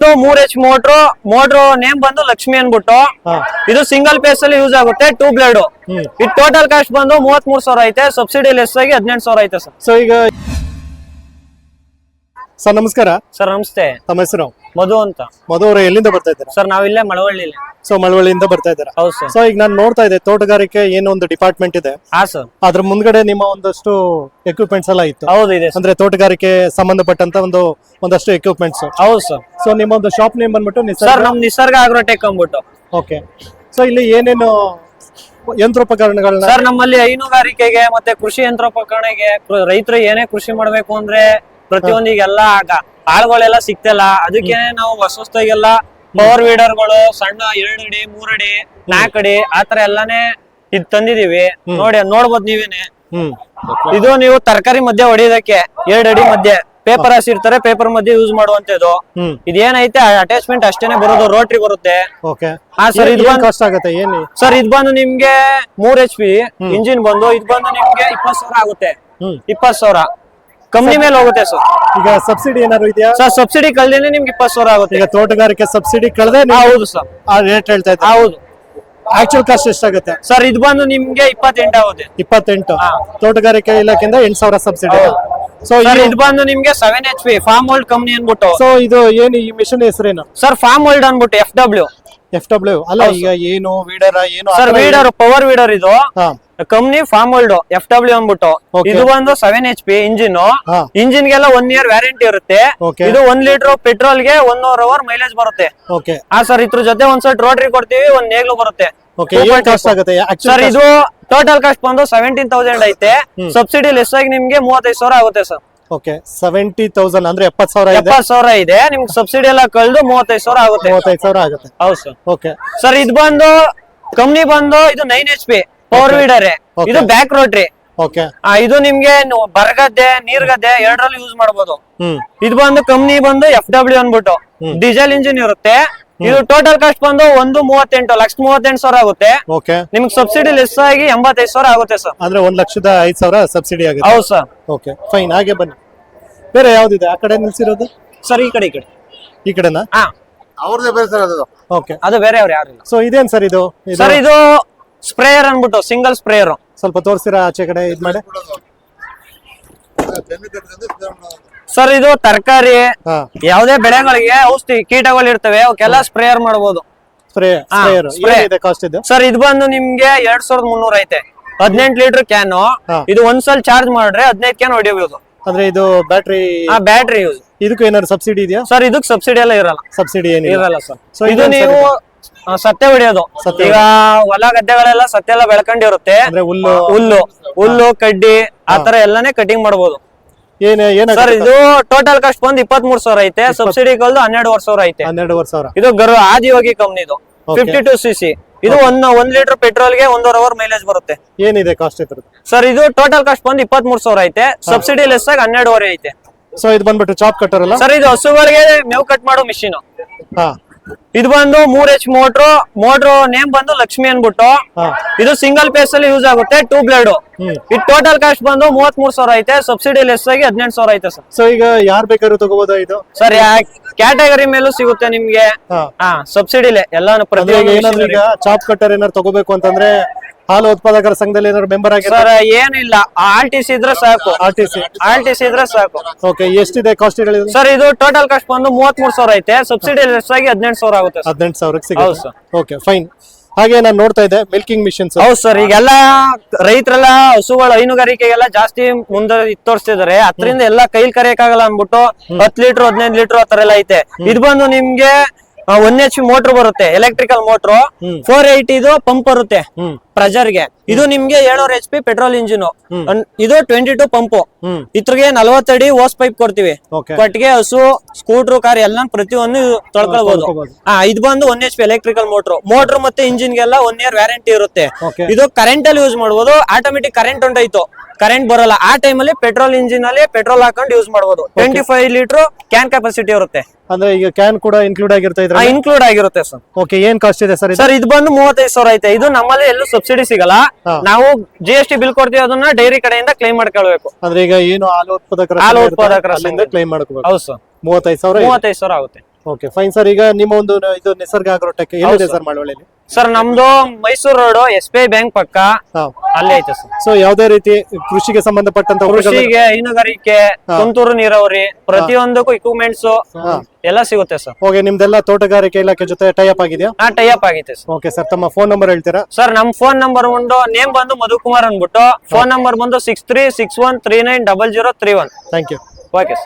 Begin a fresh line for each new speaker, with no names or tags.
3H motor name ಬಂದು ಲಕ್ಷ್ಮಿ ಅನ್ಬಿಟ್ಟು ಇದು ಸಿಂಗಲ್ ಪೇಸ್ ಅಲ್ಲಿ ಯೂಸ್ ಆಗುತ್ತೆ 2 ಬ್ಲೇಡ್ ಇದು ಟೋಟಲ್ ಕಾಸ್ಟ್ ಬಂದು 33,000 ಐತೆ ಸಬ್ಸಿಡಿ ಲೆಸ್ ಆಗಿ 18,000 ಐತೆ ಸರ್.
ಸೊ ಈಗ ಸರ್ ನಮಸ್ಕಾರ.
ಸರ್ ನಮಸ್ತೆ.
ತಮ್ಮ ಹೆಸರು?
ಮಧು ಅಂತ.
ಮಧು ಅವರು ಎಲ್ಲಿಂದ ಬರ್ತಾ ಇದ್ದೀರಾ?
ಸರ್ ನಾವಿಲ್ಲೇ ಮಳವಳ್ಳಿ.
ಸೊ ಮಳವಳ್ಳಿಯಿಂದ ಬರ್ತಾ ಇದ್ದೀರಾ?
ಹೌದು ಸರ್.
ಸೊ ಈಗ ನಾನು ನೋಡ್ತಾ ಇದ್ದೆ ತೋಟಗಾರಿಕೆ ಏನೋ ಒಂದು ಡಿಪಾರ್ಟ್ಮೆಂಟ್ ಇದೆ.
ಹಾ ಸರ್.
ಅದ್ರ ಮುಂದ್ಗಡೆ ನಿಮ್ಮ ಒಂದಷ್ಟು ಎಕ್ವಿಪ್ಮೆಂಟ್ಸ್ ಎಲ್ಲ ಇತ್ತು.
ಹೌದು ಇದೆ
ಅಂದ್ರೆ ತೋಟಗಾರಿಕೆ ಸಂಬಂಧಪಟ್ಟಂತ ಒಂದಷ್ಟು ಎಕ್ವಿಪ್ಮೆಂಟ್ಸ್.
ಹೌದು ಸರ್.
ಸೊ ನಿಮ್ಮ ಒಂದು ಶಾಪ್ ನೇಮ್ ಬಂದ್ಬಿಟ್ಟು
ಸರ್ ನಮ್ ನಿಸರ್ಗ ಆಗ್ರೋಟೆಕ್ ಅಂದ್ಬಿಟ್ಟು.
ಓಕೆ. ಸೊ ಇಲ್ಲಿ ಏನೇನು ಯಂತ್ರೋಪಕರಣಗಳನ್ನ?
ಸರ್ ನಮ್ಮಲ್ಲಿ ಹೈನುಗಾರಿಕೆಗೆ ಮತ್ತೆ ಕೃಷಿ ಯಂತ್ರೋಪಕರಣಕ್ಕೆ ರೈತರು ಏನೇ ಕೃಷಿ ಮಾಡ್ಬೇಕು ಅಂದ್ರೆ ಪ್ರತಿಯೊಂದಿಗೆಲ್ಲ ಆಳ್ಗಳೆಲ್ಲ ಸಿಗ್ತಿಲ್ಲ. ಅದಕ್ಕೆ ನಾವು ಹೊಸದಾಗೆಲ್ಲ ಪವರ್ ವೀಡರ್ಗಳು ಸಣ್ಣ 2 ಅಡಿ 3 ಅಡಿ 4 ಅಡಿ ಆತರ ಎಲ್ಲಾನೇ ಇದ್ ತಂದಿದೀವಿ. ನೋಡ್ಬೋದು ನೀವೇನೆ. ಇದು ನೀವು ತರಕಾರಿ ಮಧ್ಯೆ ಹೊಡಿಯೋದಕ್ಕೆ 2 ಅಡಿ ಮಧ್ಯೆ ಪೇಪರ್ ಹಾಸಿರ್ತಾರೆ, ಪೇಪರ್ ಮಧ್ಯೆ ಯೂಸ್ ಮಾಡುವಂತದ್ದು. ಇದೇನೈತೆ ಅಟ್ಯಾಚ್ಮೆಂಟ್ ಅಷ್ಟೇನೆ ಬರೋದು, ರೋಟ್ರಿ ಬರುತ್ತೆ. ಹಾ ಸರ್. ಇದು ಕಾಸ್ಟ್ ಆಗುತ್ತೆ ಏನು ಸರ್? ಇದು ಬಂದು ನಿಮ್ಗೆ 3 HP ಇಂಜಿನ್ ಬಂದು ಇದು ಬಂದು ನಿಮ್ಗೆ 20,000 ಆಗುತ್ತೆ. 20,000 ಕಂಪ್ನಿ ಮೇಲೆ ಹೋಗುತ್ತೆ ಸರ್.
ಈಗ ಸಬ್ಸಿಡಿ ಏನಾದ್ರು ಇದೆಯಾ
ಸರ್? ಸಬ್ಸಿಡಿ ಕಳ್ದೇನೆ ನಿಮ್ಗೆ 20,000 ಆಗುತ್ತೆ.
ಈಗ ತೋಟಗಾರಿಕೆ ಸಬ್ಸಿಡಿ ಕಳ್ದೆ?
ಹೌದು ಸರ್.
ಆ ರೇಟ್ ಹೇಳ್ತಾ ಇದ್ದಾರೆ.
ಹೌದು.
ಆಕ್ಚುಯಲ್ ಕಾಸ್ಟ್ ಎಷ್ಟಾಗುತ್ತೆ
ಸರ್? ಇದು ಬಂದು ನಿಮ್ಗೆ 28 ಆಗುತ್ತೆ.
28. ತೋಟಗಾರಿಕೆ ಇಲಾಖೆಯಿಂದ 8,000 ಸಬ್ಸಿಡಿ.
ಸೊ ಇದು ಬಂದು ನಿಮ್ಗೆ 7 HP ಫಾರ್ಮ್ ಹೋಲ್ಡ್ ಕಂಪ್ನಿ ಅನ್ಬಿಟ್ಟು.
ಸೊ ಇದು ಏನು ಈ ಮಿಷನ್ ಹೆಸರೇನು
ಸರ್? ಫಾರ್ಮ್ ಹೋಲ್ಡ್ ಅನ್ಬಿಟ್ಟು FW
ಅಲ್ಲ. ಈಗ ಏನು ವೀಡರ್ ಏನು
ಸರ್? Weeder, power weeder. ಇದು ಕಂಪ್ನಿ ಫಾರ್ಮ್ ಹೋಲ್ಡ್ FW ಅನ್ಬಿಟ್ಟು. ಇದು ಬಂದು 7 HP ಇಂಜಿನ್ ಗೆಲ್ಲ 1 year ವ್ಯಾರಂಟಿ ಇರುತ್ತೆ. ಇದು 1 ಲೀಟರ್ ಪೆಟ್ರೋಲ್ ಗೆ 1 hour ಮೈಲೇಜ್ ಬರುತ್ತೆ. ಹಾ ಸರ್. ಇದ್ರ ಜೊತೆ ಒಂದ್ ಸೆಟ್ ರೋಟ್ರಿ ಕೊಡ್ತೀವಿ, ಒಂದ್ ನೇಗ್ಲು ಬರುತ್ತೆ. ಸರ್ ಇದು ಟೋಟಲ್ ಕಾಸ್ಟ್ ಬಂದು 17,000 ಐತೆ. ಸಬ್ಸಿಡಿ ಲೆಸ್ ಆಗಿ ನಿಮ್ಗೆ 35,000 ಆಗುತ್ತೆ ಸರ್.
ಓಕೆ. 70,000 ಅಂದ್ರೆ
70,000 ಇದೆ. ನಿಮ್ಗೆ ಸಬ್ಸಿಡಿ ಎಲ್ಲ ಕಳೆದು 35,000 ಆಗುತ್ತೆ.
35,000 ಆಗುತ್ತೆ.
ಹೌದು ಸರ್.
Okay
sir. ಇದು ಬಂದು ಕಂಪ್ನಿ ಬಂದು ಇದು 9 HP ಪವರ್ ವೀಡರ್. ಇದು ಬ್ಯಾಕ್ ರೋಟ್ರಿ.
ಓಕೆ.
ಇದು ನಿಮ್ಗೆ ಬರಗದ್ದೆ ನೀರ್ಗದ್ದೆ ಎರಡರಲ್ಲಿ ಯೂಸ್ ಮಾಡಬಹುದು. ಇದು ಬಂದು ಕಂಪ್ನಿ ಬಂದು FW ಅನ್ಬಿಟ್ಟು ಡೀಸೆಲ್ ಇಂಜಿನ್ ಇರುತ್ತೆ. ಇದು ಟೋಟಲ್ ಕಾಸ್ಟ್ ಬಂದು 1,38,38,000 ಆಗುತ್ತೆ. ನಿಮ್ಗೆ ಸಬ್ಸಿಡಿ ಲೆಸ್ ಆಗಿ 85,000 ಆಗುತ್ತೆ ಸರ್.
ಅಂದ್ರೆ 1,05,000 ಸಬ್ಸಿಡಿ ಆಗುತ್ತೆ.
ಹೌದು ಸರ್.
Okay fine. ಹಾಗೆ ಬನ್ನಿ. ಬೇರೆ ಯಾವ್ದಿದೆ ಆ ಕಡೆ ನಿಲ್ಸಿರೋದು?
ಸರ್ ಈ ಕಡೆ
ಈ ಕಡೆನಾ?
ಹಾ
ಅವ್ರದೇ ಬೇರೆ ಸರ್ ಅದು.
ಓಕೆ.
ಅದು ಬೇರೆ ಅವ್ರು ಯಾರು ಇಲ್ಲ.
ಸೊ ಇದೇನ್ ಸರ್ ಇದು?
ಸರ್ ಇದು ಸ್ಪ್ರೇಯರ್ ಅನ್ಬಿಟ್ಟು ಸಿಂಗಲ್ ಸ್ಪ್ರೇಯರ್.
ಸ್ವಲ್ಪ ತೋರಿಸ್ತೀರಾ ಆಚೆ ಕಡೆ ಇದ್ ಮಾಡಿ?
ಸರ್ ಇದು ತರಕಾರಿ ಯಾವುದೇ ಬೆಳೆಗಳಿಗೆ ಔಷಧಿ ಕೀಟಗಳು ಇರ್ತವೆ ಅವಕ್ಕೆಲ್ಲ ಸ್ಪ್ರೇಯರ್ ಮಾಡಬಹುದು. ಸರ್ ಇದು ಬಂದು ನಿಮ್ಗೆ 2,300 ಐತೆ. 18 ಲೀಟರ್ ಕ್ಯಾನ್. ಇದು ಒಂದ್ಸಲ ಚಾರ್ಜ್ ಮಾಡ್ರೆ 15 ಕ್ಯಾನ್ ಹೊಡಿಯಬಹುದು.
ಅಂದ್ರೆ ಇದು
ಬ್ಯಾಟ್ರಿ ಯೂಸ್.
ಇದಕ್ಕೂ ಏನಾದ್ರು ಸಬ್ಸಿಡಿ ಇದೆಯಾ?
ಸರ್ ಇದಕ್ಕೆ ಸಬ್ಸಿಡಿ ಎಲ್ಲ ಇರಲ್ಲ.
ಸಬ್ಸಿಡಿ ಏನಿರಲ್ಲ
ಸರ್. ಇದು ನೀವು ಸತ್ಯ ಹೊಡಿಯೋದು. ಈಗ ಹೊಲ ಗದ್ದೆಗಳೆಲ್ಲ ಸತ್ಯ ಎಲ್ಲ ಬೆಳ್ಕೊಂಡಿರುತ್ತೆ. ಹುಲ್ಲು ಕಡ್ಡಿ ಆತರ ಎಲ್ಲಾನೇ ಕಟಿಂಗ್ ಮಾಡಬಹುದು. ಸರ್ ಇದು ಟೋಟಲ್ ಕಾಸ್ಟ್ ಬಂದು 23,000 ಐತೆ. ಸಬ್ಸಿಡಿ ಕಲ್ದು 12,000 ಐತೆ.
12,000.
ಇದು ಆದಿಯೋಗಿ ಕಂಪ್ನಿದು 52 cc. ಇದು 1 ಲೀಟರ್ ಪೆಟ್ರೋಲ್ ಗೆ 1 hour ಮೈಲೇಜ್ ಬರುತ್ತೆ.
ಏನಿದೆ ಕಾಸ್ಟ್ ಇದ್ರದ್ದು? ಸರ್
ಇದು ಟೋಟಲ್ ಕಾಸ್ಟ್ ಬಂದು 23,000 ಐತೆ. ಸಬ್ಸಿಡಿ ಲೆಸ್ ಆಗಿ 12,500 ಐತೆ.
ಸೊ ಇದು ಬಂದ್ಬಿಟ್ಟು ಚಾಪ್ ಕಟ್ಟರ್ ಅಲ್ಲ
ಸರ್? ಇದು ಹಸುಗಳಿಗೆ ಮೇವು ಕಟ್ ಮಾಡೋ ಮಿಷಿನ್. ಇದು ಬಂದು 3H ಮೋಟ್ರು ನೇಮ್ ಬಂದು ಲಕ್ಷ್ಮಿ ಅನ್ಬಿಟ್ಟು. ಇದು ಸಿಂಗಲ್ ಪೇಸ್ ಅಲ್ಲಿ ಯೂಸ್ ಆಗುತ್ತೆ 2 ಬ್ಲೇಡ್. ಇದು ಟೋಟಲ್ ಕಾಸ್ಟ್ ಬಂದು 33,000 ಐತೆ. ಸಬ್ಸಿಡಿ ಲೆಸ್ ಆಗಿ 18,000 ಐತೆ ಸರ್.
ಸೊ ಈಗ ಯಾರು ಬೇಕಾದ್ರೂ ತಗೋಬಹುದಾ ಇದು?
ಸರ್ ಕ್ಯಾಟಗರಿ ಮೇಲೂ ಸಿಗುತ್ತೆ ನಿಮ್ಗೆ. ಸಬ್ಸಿಡಿಲೆ ಎಲ್ಲಾನು.
ಏನಾದ್ರು ಈಗ ಚಾಪ್ ಕಟ್ಟರ್ ಏನಾದ್ರು ತಗೋಬೇಕು ಅಂತಂದ್ರೆ ಹಾಲು ಉತ್ಪಾದಕರ ಸಂಘದಲ್ಲಿ ಏನಾದ್ರು ಮೆಂಬರ್ ಆಗಿ?
ಸರ್ ಏನಿಲ್ಲ, RTC ಇದ್ರೆ ಸಾಕು. RTC ಇದ್ರೆ ಸಾಕು.
ಓಕೆ. ಎಷ್ಟಿದೆ ಕಾಸ್ಟ್?
ಸರ್ ಇದು ಟೋಟಲ್ ಕಾಸ್ಟ್ ಬಂದು 33,000 ಐತೆ. ಸಬ್ಸಿಡಿ ಲೆಸ್ ಆಗಿ 18,000 ಆಗುತ್ತೆ.
18,000 ಸಿಗುತ್ತೆ. Okay fine. ಹಾಗೆ ನಾನು ನೋಡ್ತಾ ಇದ್ದೆ ಮಿಲ್ಕಿಂಗ್ ಮಿಷನ್ಸ್.
ಹೌದು ಸರ್. ಈಗೆಲ್ಲ ರೈತರೆಲ್ಲ ಹಸುಗಳು ಹೈನುಗಾರಿಕೆಗೆಲ್ಲ ಜಾಸ್ತಿ ಮುಂದೆ ತೋರಿಸ್ತಿದಾರೆ. ಅದರಿಂದ ಎಲ್ಲ ಕೈಲಿ ಕರೆಯಕ್ಕಾಗಲ್ಲ ಅನ್ಬಿಟ್ಟು 10 ಲೀಟರ್ 15 ಲೀಟರ್ ಆತರ ಎಲ್ಲ ಐತೆ. ಇದು ಬಂದು ನಿಮ್ಗೆ 1 HP ಮೋಟರ್ ಬರುತ್ತೆ, ಎಲೆಕ್ಟ್ರಿಕಲ್ ಮೋಟರ್. 480 ಇದು ಪಂಪ್ ಬರುತ್ತೆ ಪ್ರೆಜರ್ ಗೆ. ಇದು ನಿಮ್ಗೆ 700 HP ಪೆಟ್ರೋಲ್ ಇಂಜಿನ್. ಇದು 22 ಪಂಪ್. ಇದ್ರಿಗೆ 40 ಅಡಿ ಓಸ್ ಪೈಪ್ ಕೊಡ್ತೀವಿ. ಕೊಟ್ಟಿಗೆ, ಹಸು, ಸ್ಕೂಟರ್, ಕಾರ್ ಎಲ್ಲ ಪ್ರತಿಯೊಂದು ತೊಳ್ಕೊಳ್ಬಹುದು. ಇದು ಬಂದು 1 HP ಎಲೆಕ್ಟ್ರಿಕಲ್ ಮೋಟರ್ ಮತ್ತೆ ಇಂಜಿನ್ ಗೆಲ್ಲ 1 year ವ್ಯಾರಂಟಿ ಇರುತ್ತೆ. ಇದು ಕರೆಂಟ್ ಅಲ್ಲಿ ಯೂಸ್ ಮಾಡಬಹುದು. ಆಟೋಮೆಟಿಕ್ ಕರೆಂಟ್ ಹೊಂಟೋಯ್ತು, ಕರೆಂಟ್ ಬರಲ್ಲ ಆ ಟೈಮ್ ಅಲ್ಲಿ ಪೆಟ್ರೋಲ್ ಇಂಜಿನ್ ಅಲ್ಲಿ ಪೆಟ್ರೋಲ್ ಹಾಕೊಂಡು ಯೂಸ್ ಮಾಡಬಹುದು. 25 ಲೀಟರ್ ಕ್ಯಾನ್ ಕೆಪಾಸಿಟಿ ಇರುತ್ತೆ.
ಅಂದ್ರೆ ಈಗ ಕ್ಯಾನ್ ಕೂಡ ಇನ್ಕ್ಲೂಡ್ ಆಗಿರುತ್ತೆ ಇದ್ರಲ್ಲಿ?
ಇನ್ಕ್ಲೂಡ್ ಆಗಿರುತ್ತೆ ಸರ್.
ಓಕೆ. ಏನ್ ಕಾಸ್ಟ್ ಇದೆ ಸರ್?
ಸರ್ ಇದು ಬಂದು 35,000 ಐತೆ. ಇದು ನಮ್ಮಲ್ಲಿ ಎಲ್ಲೂ ಸಬ್ಸಿಡಿ ಸಿಗಲ್ಲ. ನಾವು GST ಬಿಲ್ ಕೊಡ್ತೀವಿ, ಅದನ್ನ ಡೈರಿ ಕಡೆಯಿಂದ ಕ್ಲೈಮ್ ಮಾಡ್ಕೊಳ್ಬೇಕು.
ಅಂದ್ರೆ ಈಗ ಏನು ಹಾಲು ಉತ್ಪಾದಕರ
ಕ್ಲೈಮ್
ಮಾಡ್ಕೋಬೇಕು.
ಹೌದು ಸರ್.
35,000
ಆಗುತ್ತೆ.
Okay fine sir. ಈಗ ನಿಮ್ಮ ಒಂದು ಇದು ನಿಸರ್ಗ ಅಗ್ರೋಟೆಕ್ ಎಲ್ಲಿದೆ ಸರ್ ಮಳವಳ್ಳಿಲಿ?
ಸರ್ ನಮ್ದು ಮೈಸೂರು ರೋಡ್ SBI ಬ್ಯಾಂಕ್ ಪಕ್ಕ
ಹಾ.
ಅಲ್ಲೇ ಐತೆ ಸರ್.
ಸೊ ಯಾವುದೇ ರೀತಿ ಕೃಷಿಗೆ ಸಂಬಂಧಪಟ್ಟಂತ
ಕೃಷಿಗೆ, ಹೈನುಗಾರಿಕೆ, ತುಂತುರು ನೀರಾವರಿ, ಪ್ರತಿಯೊಂದಕ್ಕೂ ಇಕ್ವಿಪ್ಮೆಂಟ್ಸ್ ಎಲ್ಲ ಸಿಗುತ್ತೆ ಸರ್.
ಓಕೆ, ನಿಮ್ದೆಲ್ಲ ತೋಟಗಾರಿಕೆ ಇಲಾಖೆ ಜೊತೆ ಟೈ ಅಪ್ ಆಗಿದೆಯಾ?
ಟೈ ಅಪ್ ಆಗೈತೆ ಸರ್.
ಓಕೆ ಸರ್, ತಮ್ಮ ಫೋನ್ ನಂಬರ್ ಹೇಳ್ತೀರಾ?
ಸರ್ ನಮ್ ಫೋನ್ ನಂಬರ್ ನೇಮ್ ಬಂದು ಮಧುಕುಮಾರ್ ಅಂದ್ಬಿಟ್ಟು, ಫೋನ್ ನಂಬರ್ ಬಂದು 6361390031.
Thank you.
Okay sir.